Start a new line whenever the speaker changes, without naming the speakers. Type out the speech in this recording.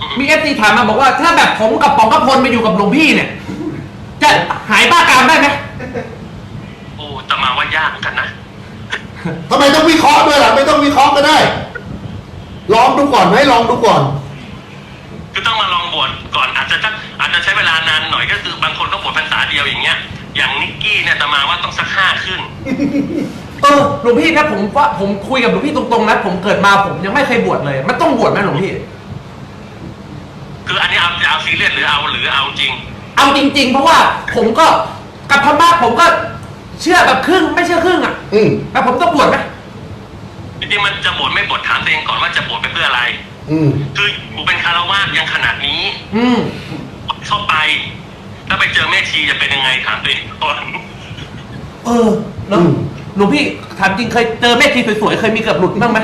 มีเอฟซีถามมาบอกว่าถ้าแบบผมกับป๋องกพลมาอยู่กับหลวงพี่เนี่ยจะหายบ้ากามได้ไหม
โอ้แต่มาว่ายากเหมือนกันนะ
ทำไมต้องวิเคราะห์ด้วยล่ะไม่ต้องวิเคราะห์ก็ได้ลองดูก่อนไหมลองดูก่อน
คือต้องมาลองบวชก่อนอาจจะใช้เวลานานหน่อยก็คือบางคนก็บวชพรรษาเดียวอย่างเงี้ยอย่างนิกกี้เนี่ยแต่มาว่าต้องสัก5ขึ้น
หลวงพี่นะผมคุยกับหลวงพี่ตรงๆนะผมเกิดมาผมยังไม่เคยบวชเลยมันต้องบวชไหมหลวงพี่
คืออันนี้เอาซีเรียสหรือเอาจริง
เอาจริงๆเพราะว่าผมก็กับธรรมะผมก็เชื่อแบบครึ่งไม่เชื่อครึ่งอ่ะแต่ผมต้องบวชไหม
จริงๆมันจะบวชไม่บวชถามตัวเองก่อนว่าจะบวชไปเพื่ออะไรคือกูเป็นคารวาสยังขนาดนี้เข้าไปแล้วไปเจอแม่ชีจะเป็นยังไงถามตัวเองก่อน
แล้วหลวงพี่ถามจริงเคยเจอแม่ชีสวยๆเคยมีเกือบหลุดบ้างไหม